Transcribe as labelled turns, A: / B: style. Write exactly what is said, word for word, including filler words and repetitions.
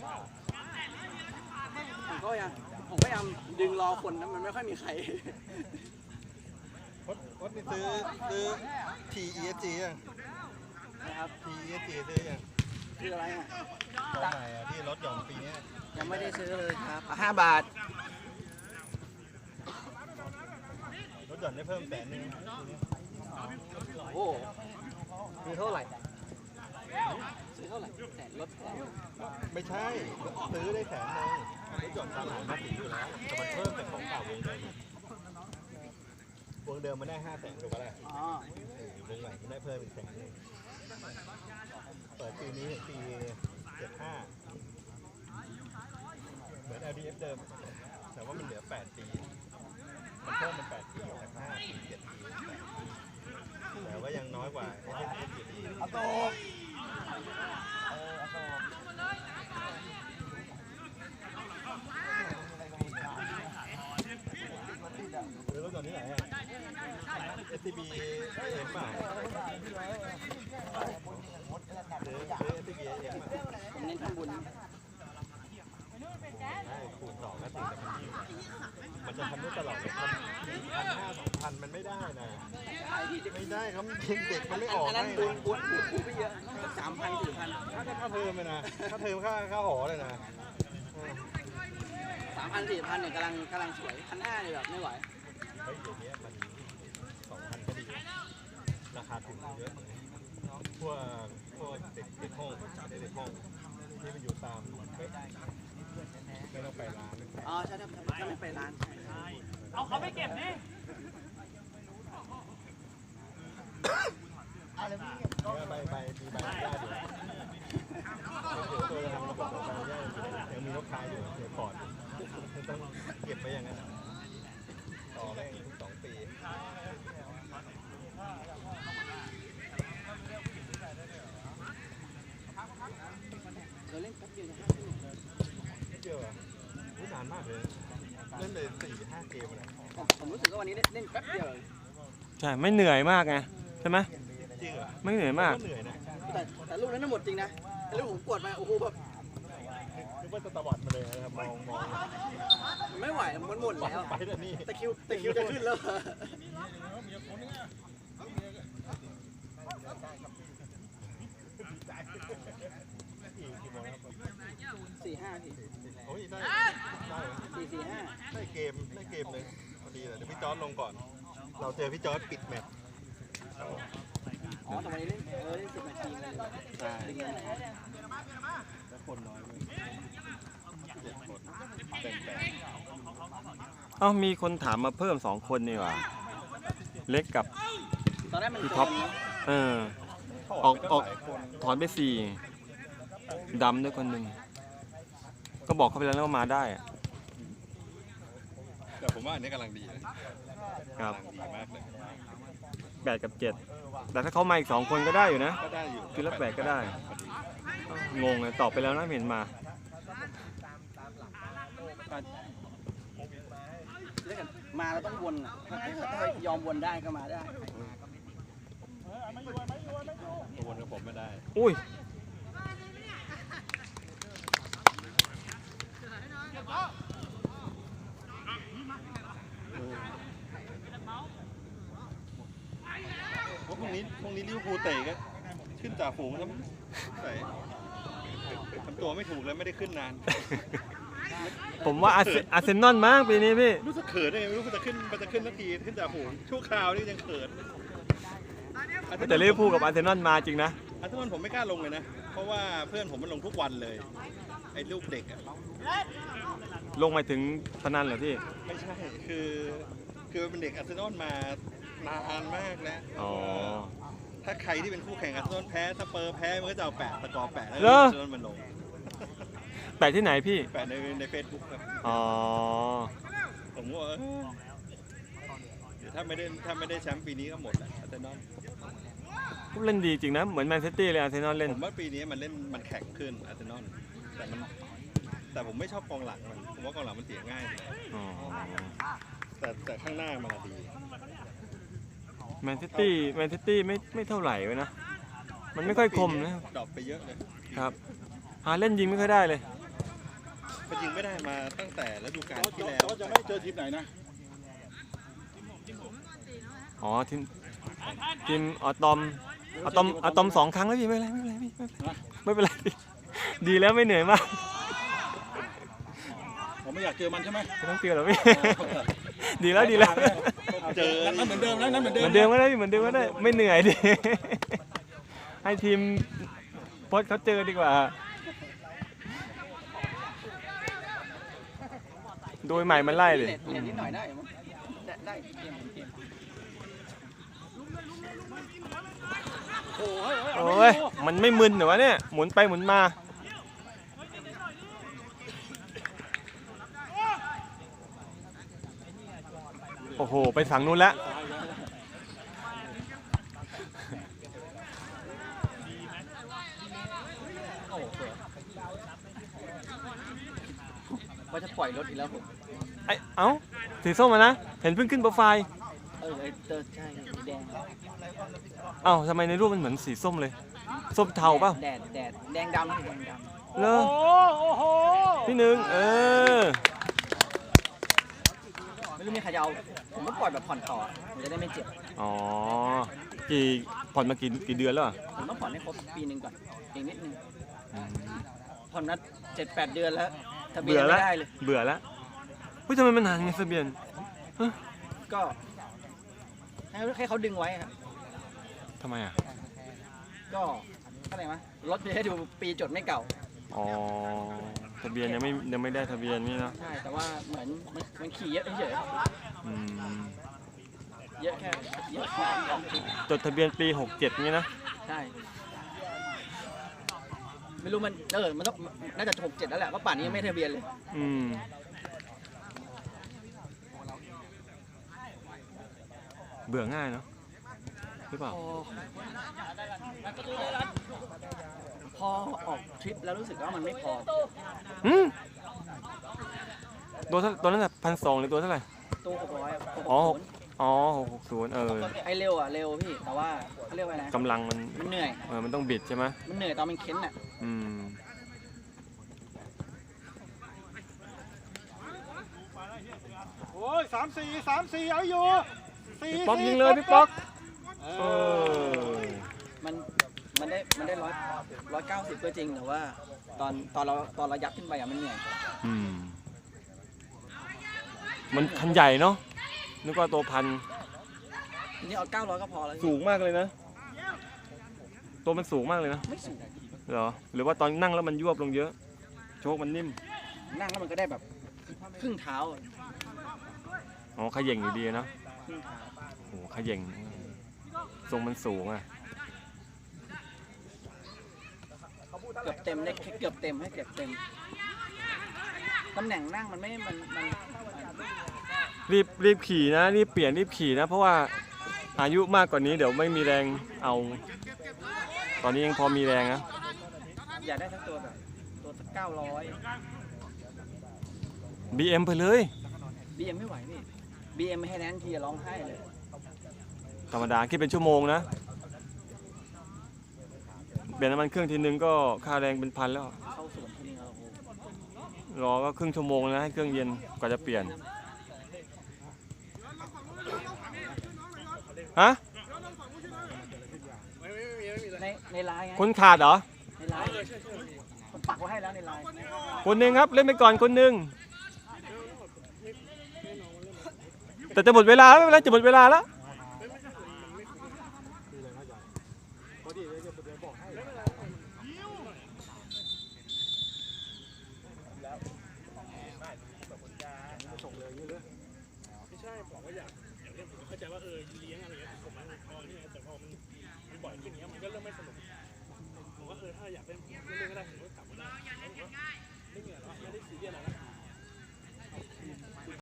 A: ผมก็ยังผมก็ยังดึงรอคนนะมันไม่ค่อยมีใคร
B: วัดวัดนี่ซื้อซื้อ ที อี เอส จี ยัง
A: นะครับ
B: ที อี เอส จี ซื้อยัง
A: คืออะไรอ่ะ
B: ตัวใหม่อ่ะที่รถหย่อนปีนี้
A: ยังไม่ได้ซื้อเลยครับห้าบาท
B: รถหย่อนได้เพิ่มแสนนึง
A: โอ้ซื้อเท่าไหร่ซื้อเท่าไหร่แสนลดแสน
B: ไม่ใช่ซื้อได้แสนนึงรถหย่อนตามหลังมาสีอยู่แล้วแต่มันเพิ่มเป็นของเก่าวงเดิมวงเดิมมันได้ห้าแสนถูกปะล่ะ
A: อ๋อ
B: วงใหม่มันได้เพิ่มอีกแสนนึงเปิดปีนี้ถึงปีเจ็ดห้าเหมือน แอล ดี เอฟ เดิมแต่ว่ามันเหลือแปดปีมันเพิ่มเป็นแปดปีจากห้าปีเจ็ดปีแต่ว่ายังน้อยกว่า เอส เอส อยู่ดี
A: เอาโตเออเอาโต
B: หรือรถจอดที่ไหนอ่ะ เอส ซี บี เอ็มป่ะหรือหรือ เอส ซี บี เอ็มป่ะ
A: ผมเน้นทำบุญ
B: ใช่คูณสองก็ถึงจะเป็นยี่มันจะทำได้ตลอดเลยพันพันห้าสองพันมันไม่ได้นะไม่ได้ครับเด็กมันไม่ออกให้
A: บุญบุญบุญบุญไม่เยอะสามพันสี่พัน
B: ค่าค่าเทอมเลยนะค่าเทอมค่าค่าหอเลยนะ
A: สามพันสี่พันเนี่ยกำลังกำลังสวยพันห้าเนี่ยแบบไม่ไหว
B: เฮ้ยเดี๋ยวนี้มันสองพันก็ดีราคาถูกเยอะพวกพวกเด็กเด็กห้องเด็กห้องที่มันอยู่ตามไม่ไม่ต้องไปร้าน
A: อ๋อใช่ถ้าถ้าไม่ไปร้าน
C: เอาเขาไม่เก็บดิ
B: ใบใบมีใบญาติอยู่เดี๋ยวตัวจะทำระบบใบญาติยังมีลูกค้าอยู่เดี๋ยวก่อนต้องเก็บไปอย่างนั้นต่อแม่งทุกสองปี
A: เราเล่นแป๊บเดียวนะ
B: เดียวอ่ะนานมากเลยเล่นเลยสี่ห้าเกมเลย
A: ผมรู้สึกว่าวันนี้เล่นแป๊บเดียว
D: ใช่ไม่เหนื่อยมากไงใช่ไหม
B: จริงเหรอ
D: ไม่เหนื่อยมาก
A: แต่แต่ลูกนั้นหมดจริงนะแต่ลูกผมกดมาโอ้โหแบบ
B: นึกว่าจะตะวัดมาเลยนะครับมองมอง
A: ไม่ไหวมันหมดแล้ว
B: ไปแต่นี่
A: ตะคิวตะคิวจะขึ้นแล้วสี่ห้าที
B: โอ้ยได้ได้
A: สี่สี่ห้า
B: ได้เกมได้เกมเลยพอดีเลยเดี๋ยวพี่จอร์จลงก่อนเราเจอพี่จอร์จปิดแมตช์
A: อ๋อทำไมเล่นเออเล่นสิบนาทีเลย
B: ใช่แล้วคนน้อยเลยเจ็ดคนแบ่งแบ่ง
D: เอ้ามีคนถามมาเพิ่มสองคนนี่หว่าเล็กกับพี่ท็อปเออออกออกถอนไปสี่ดำด้วยคนหนึ่งก็บอกเขาไปแล้วว่ามาได้อะ
B: แต่ผมว่าอันนี้กำลังดีนะครับกำลังดีมากเลย
D: แปดกับเจ็ดแต่ถ้าเขามาอีกสองคนก็ได้อยู่นะ
B: ก็ได้อยู่
D: คือละแปดก็ได้งงเลยตอบไปแล้วนะเห็นมา
A: มาเราต้องวนอ่ะถ้ายอมวนได้ก็มาได้
B: วนกับผมไม่ได้
D: อุ้ย
B: พรุ่งนี้พรุ่งนี้ลิเวอร์พูลเตะก็ขึ้นจ่าฝูงแล้วใส่ทำตัวไม่ถูกแล้วไม่ได้ขึ้นนาน
D: ผมว่าอาร์เซนอลมากปีนี้พี่
B: รู้สึกเขินได้ไงไม่รู้มันจะขึ้นมันจะขึ้นนาทีขึ้นจ่าฝูงชั่วคราวนี่ยังเขิน
D: แต่ลิเวอร์พูลกับอาร์เซนอลมาจริงนะ
B: อาร์เซนอลผมไม่กล้าลงเลยนะเพราะว่าเพื่อนผมมันลงทุกวันเลยไอ้ลูกเด็กอะ
D: ลงมาถึงพนันเหรอพี่
B: ไม่ใช่คือคือเป็นเด็กอาร์เซนอลมานานมากแล้ว
D: อ๋อ
B: ถ้าใครที่เป็นคู่แข่งอาร์เซนอลแพ้สเปอร์แพ้มันก็จะเอาแปะตะกอแปะแล้วอาร์เซนอลมันลง
D: แปะที่ไหนพี่
B: แปะในในเฟซบุ๊กครับ
D: อ๋อ
B: ผมว่าเดี๋ยวถ้าไม่ได้ถ้าไม่ได้แชมป์ปีนี้ก็หมดแหละอาร์เซนอล
D: เล่นดีจริงนะเหมือนแมนซิตี้เลยอาร์เซนอลเล่น
B: ผมว่าปีนี้มันเล่นมันแข็งขึ้นอาร์เซนอลแต่มันแต่ผมไม่ชอบกองหลังมันผมว่ากองหลังมันเสียง่ายแต่แต่ข้างหน้ามันดี
D: แมนซิตี้แมนซิตี้ไม่ไม่เท่าไหร่เลยนะมันไม่ค่อยคมนะ
B: ดรอปไปเยอะเลย
D: ครับหาเล่นยิงไม่ค่อยได้เลย
B: มันยิงไม่ได้มาตั้งแต่ฤดูกาลที่แล้ว
E: แต่ว่าจะไม่เจอทีมไหนนะ
D: อ๋อทีมทีมอะตอมอะตอมอะตอมสองครั้งแล้วพี่ไม่เป็นไรไม่เป็นไรพี่ไม่เป็นไรไม่เป็นไรดีแล้วไม่เหนื่อยมาก
E: ผมไม่อยากเจอมันใช่ไหม
D: ไม่ต้องเตือนหรอกพี่ ดีแล้วดีแล้ว
E: เจอนั้นเหมือนเดิมนะนั้นเหมือน
D: เห
E: เดิม
D: มือนเดิมก็ได้พี่เหมือนเดิมก็ได้ไม่เหนื่อยดิ ให้ทีมโพสเขาเจอดีกว่า โดยใหม่มันไล่เลย
A: เล่นเล่นนิดหน่อยได้มั้งได้ได้เกมเกม
E: โอ้ย
D: โอ้ยมันไม่มึนเหรอวะเนี่ยหมุนไปหมุนมาโอ้โหไปฝั่งนู้นแล้ว
A: โอ้โหสวยว่าจะปล่อยรถอีกแล้วผม
D: ไอเอ้าสีส้มมานะเห็นเพิ่งขึ้นโปรไฟล์
A: เออไอ้เตอร์ใช่แดง
D: เอ้าทำไมในรูปมันเหมือนสีส้มเลยส้มเทาเปล่า
A: แดดแดดแดงดำแดงดำ
D: เลอ
C: โอ้โห
D: พี่หนึ่งเออ
A: ไม่รู้มีใครจะเอาผมก็ปล่อยแบบผ่อนต่อผมจะได้ไม่เจ็บ
D: อ๋อกี่ผ่อนมากี่กี่เดือนแล้วอะ
A: ผมต้องผ่อนให้ครบปีหนึ่งก่อนอีกนิดนึงผ่อนนัดเจ็ดแปดเดือนแล้วทะเบีย
D: เบื่
A: น
D: อ
A: ไม่
D: แล้ว
A: ได้เลย
D: เบื่อแล้วเฮ้ยทำไมมันนานไงทะเบียน
A: ก็ให้ให้เขาดึงไว้ครับ
D: ทำไมอ่ะ
A: ก็อะไรมะรถจะให้ดูปีจดไม่เก่า
D: อ๋อทะเบียนยังไม่ยังไม่ได้ทะเบียนนี่เนอะ
A: ใช่แต่ว่าเหมือนมันมันขี่เยอะเฉย
D: อืม
A: ๆเยอะแค่เยอะแค่
D: จดทะเบียนปีหกเจ็ดนี่นะ
A: ใช่ไม่รู้มันเออมันต้องน่าจะหกเจ็ดแล้วแหละเพราะป่านนี้ยังไม่ทะเบียนเลย
D: อืมเบื่อง่ายเนาะหรือเปล่า
A: พอพอออกทริปแล้วรู้สึกว่ามันไม่พอ
D: อืมตัวเท่าตัวนั้นแหละพันสองหรือตัวเท่าไหร่
A: ตู้หกร้อย
D: อ๋อ อ๋อหกหกศูนย์เออ
A: ไอเร็วอ่ะเร็วพี่แต่ว่าเขาเรียกว่าไงนะ
D: กำลังมัน
A: มันเหนื่อย
D: เออมันต้องบิดใช่ไหม
A: มันเหนื่อยตอนมันเค้นอ่ะ
D: อืม
E: โอ้ยสามสี่สามสี่เอาอยู่สี่
D: พี่ป๊อกยิงเลยพี่ป๊อกเออ
A: มันมันได้มันได้ร้อยร้อยเก้าสิบก็จริงแต่ว่า ตอนตอนเราตอนเรายัดขึ้นไปอ่ะมันเหนื่อย
D: อืมมันคันใหญ่เนาะนึกว่าตัวพัน
A: ทีนี้เอาเก้าร้อยก็พอแล้ว
D: สูงมากเลยนะ ตัวมันสูงมากเลยนะ
A: ไม่สูง
D: เหรอหรือว่าตอนนั่งแล้วมันยวบลงเยอะ โชคมันนิ่ม
A: นั่งแล้วมันก็ได้แบบครึ่งเท้า
D: อ๋อขย่งอยู่ดีนะ
A: ครึ่งเท้า
D: โอ้โหขย่งทรงมันสูงอ่ะ
A: เกือบเต็มได้เกือบเต็มให้เกือบเต็มตำแหน่งนั่งมันไม่มันมัน
D: รีบรีบขี่นะรีบเปลี่ยนรีบขี่นะ เพราะว่าอายุมากกว่านี้เดี๋ยวไม่มีแรงเอา ตอนนี้ยังพอมีแรงนะ
A: อยากได้สักตัวแบบตัวสักเก้าร้อย
D: บี เอ็ม ไปเลย
A: บีเอ็มไม่ไหวพี่บีเอ็มไม่ให้แนนทีจะร้องไห้เลย
D: ธรรมดาคิดเป็นชั่วโมงนะเปลี่ยนน้ำมันเครื่องทีนึงก็ค่าแรงเป็นพันแล้ว
A: เข้าสวนทีนึงเราโอ้โห
D: รอก็ครึ่งชั่วโมงนะให้เครื่องเย็นกว่าจะเปลี่ยนฮะ
A: ในในไลน์ไง
D: คนขาดเหรอ
A: ในไลน์ผมปักไว้ให้แล้วในไลน์
D: คนหนึ่งครับเล่นไปก่อนคนหนึ่งแต่จะหมดเวลาแล้วไม่เป็นไรจะหมดเวลาแล้ว